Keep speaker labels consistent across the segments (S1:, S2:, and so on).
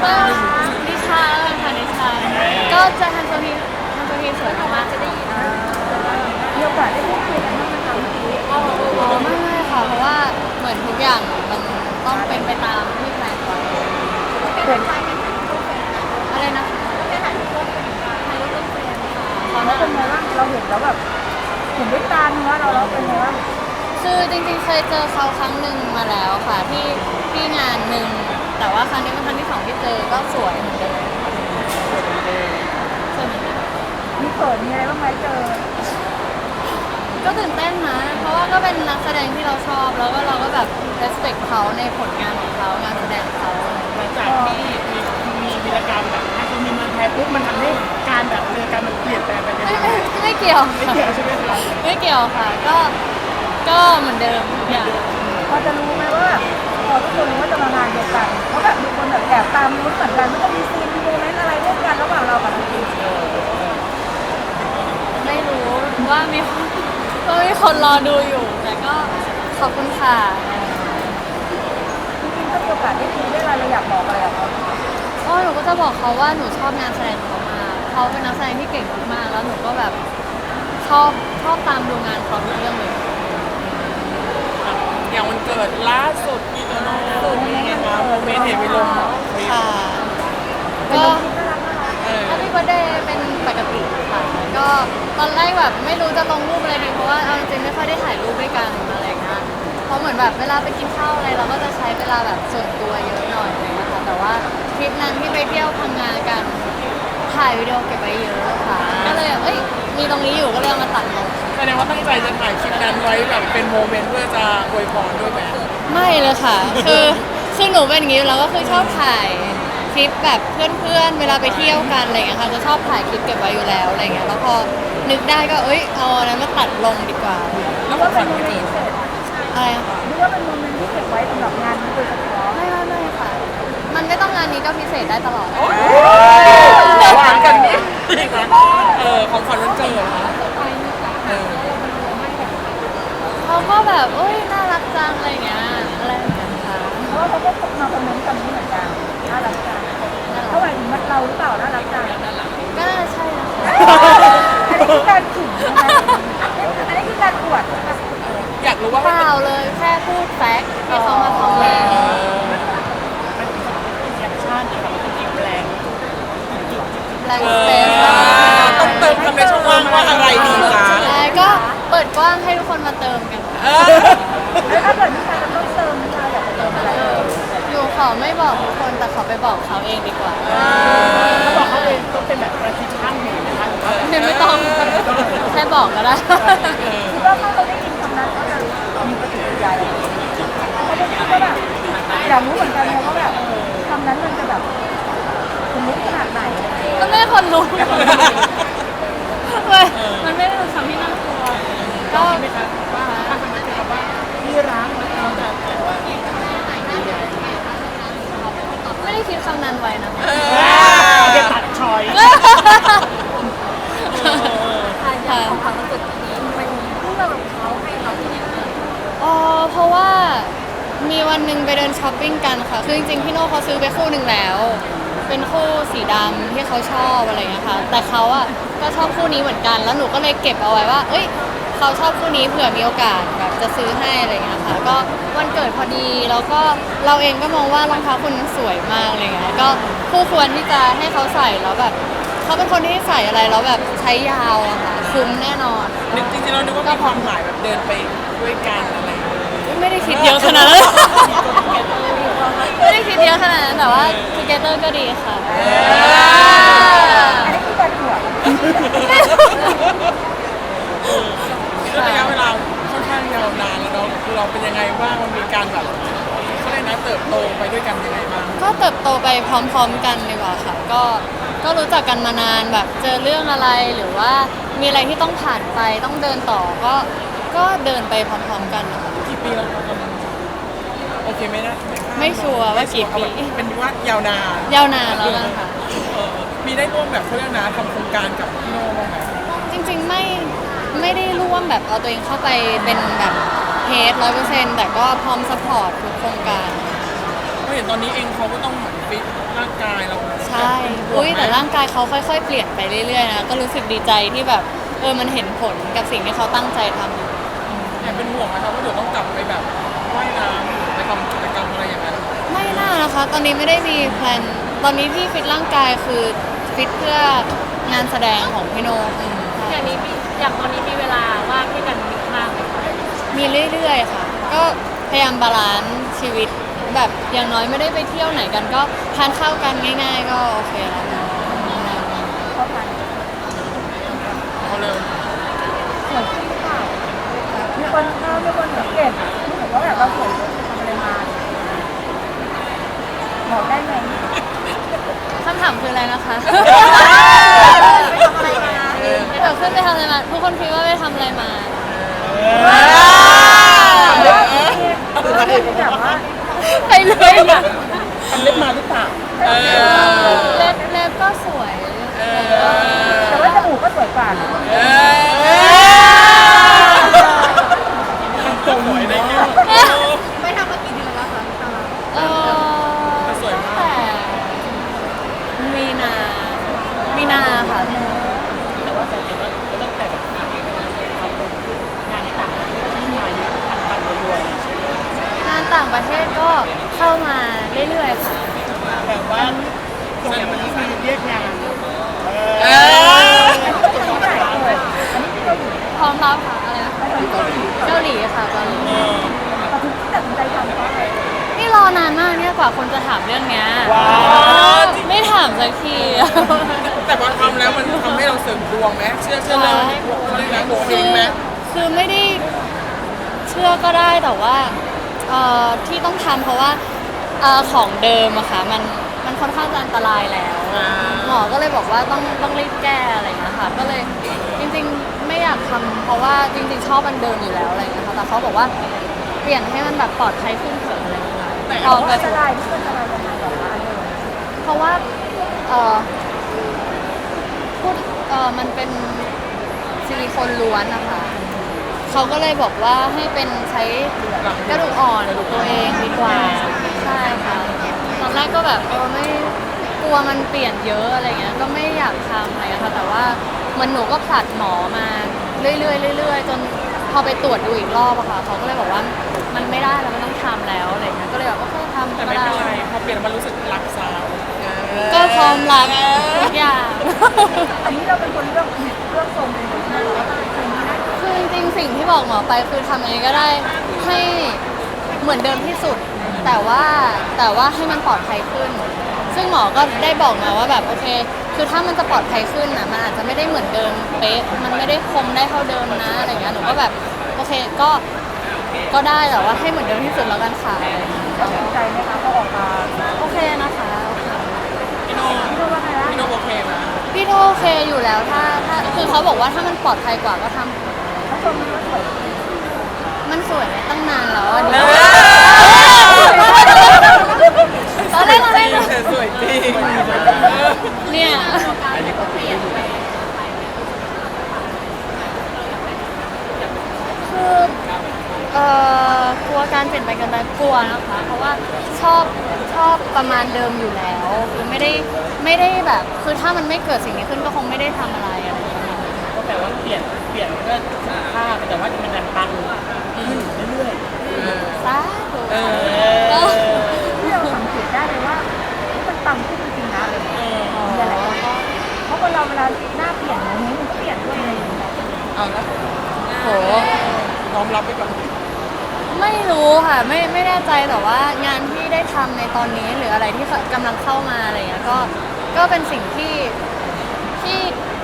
S1: ก็นิชาค่ะนิชาก็จะทันโซทีสวยมากๆจะได้ยิน
S2: มีโอกาสได้พูดคุยกันบ้างไหมคะเมื่อกี้
S1: อ๋อไม่ค่ะเพราะว่าเหมือนทุกอย่างมันต้องเป็นไปตามที่แพลนไว้
S2: เห็น
S1: อะไรนะถ่ายรูปร่วมเฟรมค่ะ
S2: เขาเป็นไงบ้างเราเห็นแล้วแบบเห็นด้วยตาเนื้อเราเป็นไงบ้าง
S1: คือจริงๆเคยเจอเขาครั้งหนึ่งมาแล้วค่ะที่งานหนึ่งแต่ว่าครั้งนี้เป็นครั้งที่2ที่เจอก็สวยเหมือนเดิมสวยเหมือนเดิม
S2: มีเขินมีอะไรบ้างไหมเจอ
S1: ก็ตื่นเต้นนะเพราะว่าก็เป็นนักแสดงที่เราชอบแล้วก็เราก็แบบ respect เขาในผลงานของเขางานแสดงเขา
S3: หลังจากที่มีวีรกรรมแบบถ้ามีเมืองไทยปุ๊บมันทำให้การแบบเรือการมันเปลี่ยนแปลงไปยังไง
S1: ไม่เกี่ยว
S3: ไม่เกี่ยวใช่ไหมครับ
S1: ไม่เกี่ยวค่ะก็เหมือนเดิมทุกอย่าง
S2: พอจะรู้ไหมว่าพอทุกคนรู้ว่าจะมางานเดียวกันเพราะแบบมีคนแบบแอบตามรู้เหมือนกันว่าจะมีซีนมีโมเมนต์อะไรร่วมกันระหว่างเรากับน้องพี
S1: ไม่รู้ว่ามีคนรอดูอยู่แต่ก็ขอบคุณค่ะ
S2: จริงๆถ้ามีโอกาสได้คุยได้อะไรเราอยากบอกอะไรกับเขา
S1: หนูก็จะบอกเขาว่าหนูชอบงานแสดงเขามากเขาเป็นนักแสดงที่เก่งมากแล้วหนูก็แบบชอบตามดูงานเขาทุกเรื่องเลย
S3: อย่างวันเกิดล่าสุดพี่โตโน่เป็นไงคะโมเมนต์เห็นไปลง
S1: ค่ะก็Happy Birthday เป็นปกติค่ะก็ตอนแรกแบบไม่รู้จะลงรูปอะไรดีเพราะว่าเอาจริงๆไม่ค่อยได้ถ่ายรูปด้วยกันอะไรเงี้ยเพราะเหมือนแบบเวลาไปกินข้าวอะไรเราก็จะใช้เวลาแบบส่วนตัวเยอะหน่อยอะไรเงี้ยค่ะแต่ว่าทริปนั้นที่ไปเที่ยวพังงากันถ่ายวิดีโอเก็บไว้เยอะค่ะก็เลยมีตรงนี้อยู่ก็เลยเอามาตัดลง
S3: แสดงว่าตั้งใจจะถ่ายคลิปนั้นไว้แบบเป็นโมเมนต์เพื่อจะอวยพรด้วยไหม
S1: ไม่เลยค่ะคือหนูเป็นอย่างนี้แล้วก็คือชอบถ่ายคลิปแบบเพื่อนๆเวลาไปเที่ยวกันอะไรเงี้ยค่ะจะชอบถ่ายคลิปเก็บไว้อยู่แล้วอะไรเงี้ยแล้วพอนึกได้ก็เอาอะไรมาตัดลงดีกว่า
S3: แล้วก็เป็นโมเมนต์
S1: อะไร
S2: หรือว่าเป็นโมเมนต์ที่เก็บไว้สำหรับงานนี้โดยเฉพาะ
S1: ไม่ค่ะมันไม่ต้องงานนี้ก็พิเศษได้ตลอด
S3: หวานกันนี่ของขวัญวันเกิด
S1: เขาก็แบบน่ารักจังอะไรเงี้ยอะไรเหมือนกันค่ะ
S2: เพราะว่าเขาก็มาคอมเมนต์กันนี้เหมือนกันน่ารักจังเขาหมายถึงเราหรือเปล่าน่ารักจัง
S1: ก็น่าใช่นะคะ
S2: อันนี้คือการขิงนะอันนี้คือการอวด
S3: อยากรู้ว่า
S1: เปล่าเลยแค่พูดแฟกต์ที่เขามาคอมเมนต์
S3: แคปชั่นนะคะมันเป็นแรง
S1: สเปซ
S3: ต้องเติมคำในช่องว่างว่าอะไรดีคะ
S1: ก็เปิดกว้างให้ทุกคนมาเติมกัน
S2: แล้วถ้าเกิดมีใครจะต้องเติมนี่เราอยากจะเติมอะไร
S1: อยู่ขอไม่บอกทุกคนแต่ขอไปบอกเขาเองดีกว่า
S3: ถ้าบอกเขาเองต้องเป็นแบบประชิดช่างหนึ่งนะคะ
S1: ไม่ต้องแค่บอกก็ได้
S2: คิดว่าถ้าเราได้ยินคำนั้นก็จะมีปฏิกิริยาอะไรเขาจะคิดว่าแบบอยากรู้เหมือนกันเลยว่าแบบคำนั้นมันจะแบบสมมติขนาดไหน
S1: ก็ไม่คนรู้มันไม่ได้เป็นคำที่น่ากลัวก็
S3: ไม่ครับว่าถ้าคำนั้นเป็นคำว่าที่รักเราจะแต่ว่า
S1: ไม่ได้คิดคำนั้นไว้นะ
S3: จะตัดชอย
S1: ของความรู้สึกนี้มันเรื่องของเขาให้เราที่ไหนเพราะว่ามีวันหนึ่งไปเดินช้อปปิ้งกันค่ะคือจริงๆพี่โน่เขาซื้อไปคู่หนึ่งแล้วเป็นคู่สีดำที่เขาชอบอะไรเงี้ยค่ะแต่เขาก็ชอบคู่นี้เหมือนกันแล้วหนูก็เลยเก็บเอาไว้ว่าเขาชอบคู่นี้เผื่อมีโอกาสแบบจะซื้อให้อะไรเงี้ยค่ะก็วันเกิดพอดีแล้วก็เราเองก็มองว่ารองเท้าคุณสวยมากอะไรเงี้ยก็คู่ควรที่จะให้เขาใส่แล้วแบบเขาเป็นคนที่ใส่อะไรแล้วแบบใช้ยาวอะค่ะคุ้มแน่นอน
S3: จริงๆเราคิดว่ามีความหมายแบบเดินไปด้วยกันอะไร
S1: ไม่ได้คิดเยอะขนาดนั้นไม่ได้คิดเยอะขนาดนั้นแต่ว่า together ก็ดีค่ะ
S2: อันนี้คือการอวด
S3: ระยะเวลาค่อนข้างยาวนานแล้วเนาะคือเราเป็นยังไงบ้างมันมีการแบบเขาเรียกนะเติบโตไปด้วยกันยังไงบ้าง
S1: ก็เติบโตไปพร้อมๆกันดีกว่าค่ะก็รู้จักกันมานานแบบเจอเรื่องอะไรหรือว่ามีอะไรที่ต้องผ่านไปต้องเดินต่อก็เดินไปพร้อมๆกัน
S3: กี่ปีแล้วครับโอเค
S1: ไม่ชัวร์ว่ากี่ปี
S3: เป็นว่ายาวนาน
S1: แล้วนะคะ
S3: มีได้ร่วมแบบเขาเรียกนะทำโครงการกับพี่โน่บ้างไหม
S1: จริงๆไม่ได้ร่วมแบบเอาตัวเองเข้าไปเป็นแบบเฮด100%แต่ก็พร้อมซัพพอร์ตทุกโครงการ
S3: กเห็นตอนนี้เองเขาก็ต้องเหมือนฟิตร่างกายเรา
S1: ใช่อุ้ยแต่ร่างกายเขาค่อยๆเปลี่ยนไปเรื่อยๆนะก็รู้สึกดีใจที่แบบมันเห็นผลกับสิ่งที่เขาตั้งใจทำอยู่
S3: แอบเป็นห่วงไหมครับว่าเดี๋ยวต้องกลับไปแบบว่ายน้ำไปทำกิจกรรมอะไรอย่างนั้น
S1: ไม่น่านะคะ ตอนนี้ไม่ได้มีแพลนตอนนี้ที่ฟิตร่างกายคือฟิตเพื่องานแสดงของพี่โน
S4: อย่างตอนนี้มีเวลาว่างให้กันมากไหมคะ
S1: มีเรื่อยๆค่ะ ก็พยายามบาลานซ์ชีวิตแบบอย่างน้อยไม่ได้ไปเที่ยวไหนกันก็ทานข้าวกันง่าย ๆ ก็โอเคแล้ว
S2: เข้ากัน
S3: เขาเลย
S2: สวยขึ้นหรือเปล่ามีคนสังเกตรู้สึกว่าแบบเราสวยขึ้นทำอะไรมาบอกได้ไหม
S1: คำถามคืออะไรนะคะ
S2: ไปทำอะไรมา
S1: เดี๋ยวขึ้นไปทำอะไรมาทุกคนคิดว่าไปทำอะไรมา
S2: แบบว่า
S1: ไปเลยอะ
S3: ทำเล็บมาหรือเปล่า
S1: เล็บก็สวย
S2: แต่ว่าจมูกก็สวยกว่า
S3: สวยในเงี้ย
S2: ไปทำมากี่เดือนแล้วคะ
S3: สวยมาก
S1: แต่มีนาค่ะ
S4: แต่ว่าสังเกตว่าตั้งแต่แบบงานที่ต่างประเทศที่มาเยอะพันๆรัวๆเลย
S1: งานต่างประเทศก็เข้ามาเรื่อยๆค่ะ
S4: แบบว่าอย่างวันนี้มีเรียกงาน
S1: พร้อมรับค่ะอะไรนะเกาหลีค่ะเกาหลี
S2: เราถึงตัดสินใจทำเพราะอะไร
S1: นี่รอนานมากเนี่ยกว่าคนจะถามเรื่องเนี้ยไม่ถามสักที
S3: แต่พอทำแล้วมันทำให้เราเสริมดวงไหมเชื่อเรื่องเขาเรียกนะดวงเฮงไหม
S1: คือไม่ได้เชื่อก็ได้แต่ว่าที่ต้องทำเพราะว่าของเดิมอะค่ะมันค่อนข้างจะอันตรายแล้วหมอก็เลยบอกว่าต้องรีบแก้อะไรอย่างเงี้ยค่ะก็เลยจริงๆไม่อยากทำเพราะว่าจริงๆชอบอันเดิมอยู่แล้วอะไรอย่างเงี้ยค่ะแต่เขาบอกว่าเปลี่ยนให้มันแบบปลอดภัยขึ้นเถอะอะไรอย่างเงี้ย
S2: เพราะว่าอันตรายที่มันอันตรายยังไงแบบว่าเลย
S1: เพราะว่าพูดมันเป็นซิลิโคนล้วนนะคะเขาก็เลยบอกว่าให้เป็นใช้กระดูกอ่อนตัวเองดีกว่าใช่ค่ะตอนแรกก็แบบไม่กลัวมันเปลี่ยนเยอะอะไรเงี้ยก็ไม่อยากทำอะไรเงี้ยค่ะแต่ว่ามันหนูก็ผลัดหมอมาเรื่อยๆเรื่อยๆจนพอไปตรวจดูอีกรอบอะค่ะเขาก็เลยบอกว่ามันไม่ได้แล้วมันต้องทำแล้วอะไรเงี้ยก็เลยแบบโอเคทำ
S3: แต่
S1: ก็
S3: ไม่
S1: ได้
S3: เป็นไรพอเปลี่ยนมันรู้สึกรักสาว
S1: ก็พร้อมรับทุกอย่าง
S2: อันนี้เราเป็นคนเลือกทรงเป็นคนหน้าเราก็เป็นคนนี้นะ
S1: คือจริงๆสิ่งที่บอกหมอไปคือทำยังไงก็ได้ให้เหมือนเดิมที่สุด แต่ว่าให้มันปลอดภัยขึ้น ซึ่งหมอก็ได้บอกมาว่าแบบโอเค คือถ้ามันจะปลอดภัยขึ้นอ่ะมันอาจจะไม่ได้เหมือนเดิมเป๊ะมันไม่ได้คมได้เท่าเดิมนะอะไรเงี้ยหนูก็แบบโอเคก็ได้แต่ว่าให้เหมือนเดิมที่สุดแล้วกันค่ะ
S2: ตัดสินใจไหมคะพอออกมา
S1: โอเคนะคะโอเค
S3: พี่โน
S2: พี่รู้ว่าไงล่ะ
S3: พี่โนโอเคไหม
S1: พี่โอเคอยู่แล้วถ้าคือเขาบอกว่าถ้ามันปลอดภัยกว่าก็ทำ
S2: เขาชมว่าสวย
S1: มันสวยตั้งนานแล้วอ่ะดิตอนแรก
S3: สวยจริง
S1: เนี่ยคือกลัวการเปลี่ยนไปกันไปกลัวนะคะ เพราะว่าชอบประมาณเดิมอยู่แล้วคือไม่ได้แบบคือถ้ามันไม่เกิดสิ่งนี้ขึ้นก็คงไม่ได้ทำอะไรอะไรอย่างเงี้ย
S4: ก็แต่ว่าเปลี่ยนเพื่อสุขภาพแต่ว่ามันดันปังขึ้นเรื่อย
S1: สาธุ
S2: ที่เราสังเกตได้เลยว่ามันต่ำขึ้นจริงๆนะอะไรอย่างเงี้ยมีอะไรเพราะคนเราเวลาหน้าเปลี่ยนนะนิ้วมันก็เปลี่ยนด้วยอะไรอย่างเงี้ย
S3: เอาละ
S1: โห
S3: น้อมรับไปก่อน
S1: ไม่รู้ค่ะไม่แน่ใจแต่ว่างานที่ได้ทำในตอนนี้หรืออะไรที่กำลังเข้ามาอะไรเงี้ยก็เป็นสิ่งที่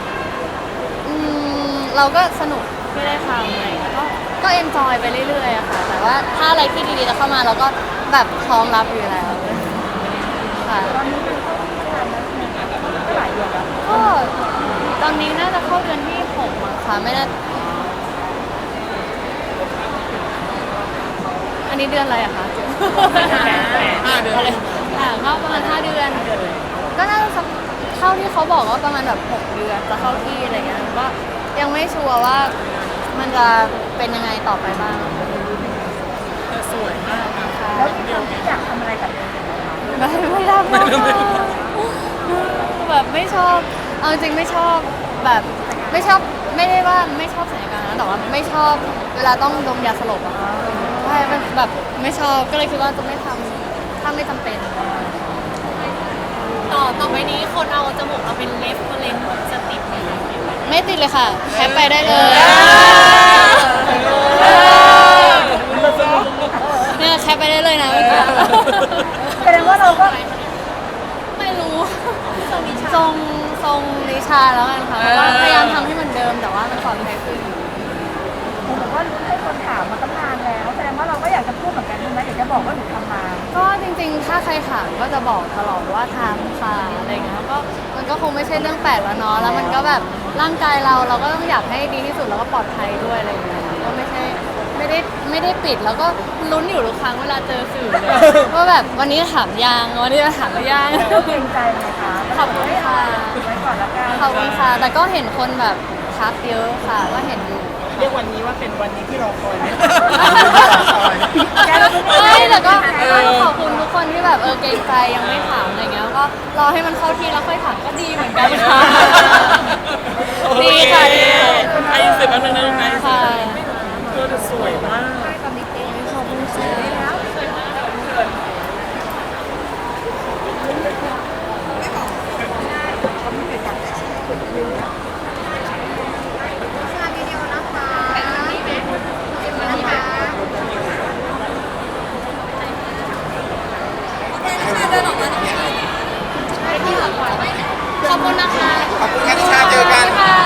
S1: เราก็สนุกที่ได้ทำอะไรเงี้ยก็เอนจอยไปเรื่อยๆอะค่ะแต่ว่าถ้าอะไรที่ดีๆจะเข้ามาเราก็แบบพร้อมรับอยู่แล้วค่ะ
S2: ตอนนี้มันเข้าที่งานแล้วใช่ไหมก็หลายเดือนแล้ว
S1: ก็ตอนนี้น่าจะเข้าเดือนที่6มั้งคะไม่น่าอันนี้เดือนอะไรอะคะ
S3: 5 เดือน
S1: อะไรก็ประมาณ5 เดือน ก็น่าจะสักเท่าที่เขาบอกว่าประมาณแบบ6 เดือนจะเข้าที่อะไรเงี้ยก็ยังไม่ชัวร์ว่ามันจะเป็นยังไงต่อไปบ้าง
S3: แต่สวยมากนะ
S2: แล้วที่ทำที่อยากทำอะไรกับ
S1: ไม่รับแบบไม่ชอบเอาจริงไม่ชอบแบบไม่ชอบไม่ได้ว่าไม่ชอบสัญญาการนะแต่ว่าไม่ชอบเวลาต้องดมยาสลบอะใช่เป็นแบบไม่ชอบก็เลยคิดว่าจะไม่ทำถ้าไม่จำเป็น
S5: ต่อไปนี้คนเอาจมูกเอาเป็นเล็บเลนจะติดไหม
S1: ไม่ติดเลยค่ะแคปไปได้เลยเนี่ยแคปไปได้เลยนะเมื่อกี้
S2: แสดงว่าเราก็
S1: ไม่รู้ทรงนิชาแล้วกันค่ะเพราะว่าพยายามทำให้เหมือนเดิมแต่ว่ามันปลอดภัยขึ้น
S2: ผมบอกว่ารู้ให้คนถามมาตั้งนานแล้วแสดงว่าเราก็อยากจะพูดเหมือนกันใช่ไหมอยากจะบอกว่าหนูทำมา
S1: ก็จริงๆ ถ้าใครถามก็จะบอกตลอดว่าทำค่ะอะไรเงี้ยแล้วก็มันก็คงไม่ใช่เรื่องแปลกแล้วเนาะแล้วมันก็แบบร่างกายเราก็ต้องอยากให้ดีที่สุดแล้วก็ปลอดภัยด้วยอะไรเงี้ยก็ไม่ได้ปิดแล้วก็ลุ้นอยู่ทุกครั้งเวลาเจอสื่อเลยว่าแบบวันนี้ถามยังวันนี้จะถามหรือยัง
S2: ก็เกรงใจไหมคะ
S1: ขอบคุณค่ะ
S2: ไว้ก่อนละกัน
S1: ขอบคุณค่ะแต่ก็เห็นคนแบบทักเยอะค่ะก็เห็นอยู่
S4: เรียกวันนี้ว่าเป็นวันนี้ที่รอคอยไหม
S1: ไม่แต่ก็ขอบคุณทุกคนที่แบบเกรงใจยังไม่ถามอะไรเงี้ยก็รอให้มันเข้าที่แล้วค่อยถามก็ดีเหมือนกันค่ะดีค่ะดี
S3: ไอ้สิบอันนึงนะลูกนะ
S1: ค่ะ
S3: เธอจะสวยมาก
S1: ขอบคุณค่ะขอบคุณนะคะ
S6: ขอบคุณค่ะนิชาเจอกัน